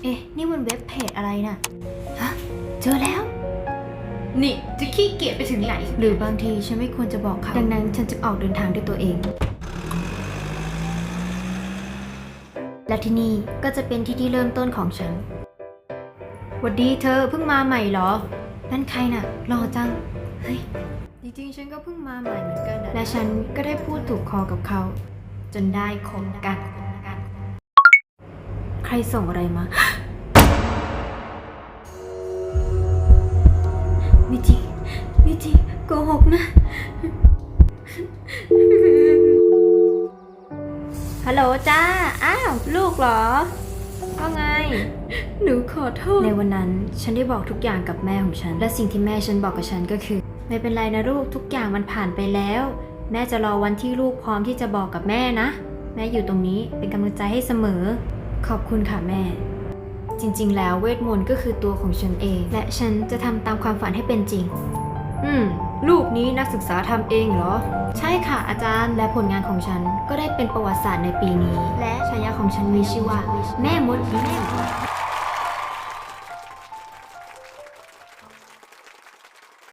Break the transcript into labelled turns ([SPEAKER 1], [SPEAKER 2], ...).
[SPEAKER 1] นี่มันเว็บเพจอะไรน่ะฮะเจอแล้ว
[SPEAKER 2] นี่จะขี้เกียจไปถึงไหน
[SPEAKER 1] หรือบางทีฉันไม่ควรจะบอกเขาดังนั้นฉันจะออกเดินทางด้วยตัวเองและที่นี่ก็จะเป็นที่เริ่มต้นของฉันหวัดดีเธอเพิ่งมาใหม่เหรอนั่นใครน่ะหล่อจังเฮ้ยจริงๆฉันก็เพิ่งมาใหม่เหมือนกันและฉันก็ได้พูดถูกคอกับเขาจนได้คบกันใครส่งอะไรมาไม่จริงโกหกนะฮัลโหลจ้าอ้าวลูกเหรอว่าไง
[SPEAKER 2] หนูขอโทษ
[SPEAKER 1] ในวันนั้นฉันได้บอกทุกอย่างกับแม่ของฉันและสิ่งที่แม่ฉันบอกกับฉันก็คือไม่เป็นไรนะลูกทุกอย่างมันผ่านไปแล้วแม่จะรอวันที่ลูกพร้อมที่จะบอกกับแม่นะแม่อยู่ตรงนี้เป็นกำลังใจให้เสมอขอบคุณค่ะแม่จริงๆแล้วเวทมนต์ก็คือตัวของฉันเองและฉันจะทำตามความฝันให้เป็นจริงลูกนี้นักศึกษาทำเองเหรอใช่ค่ะอาจารย์และผลงานของฉันก็ได้เป็นประวัติศาสตร์ในปีนี้และฉายาของฉันมีชื่อว่าแม่มด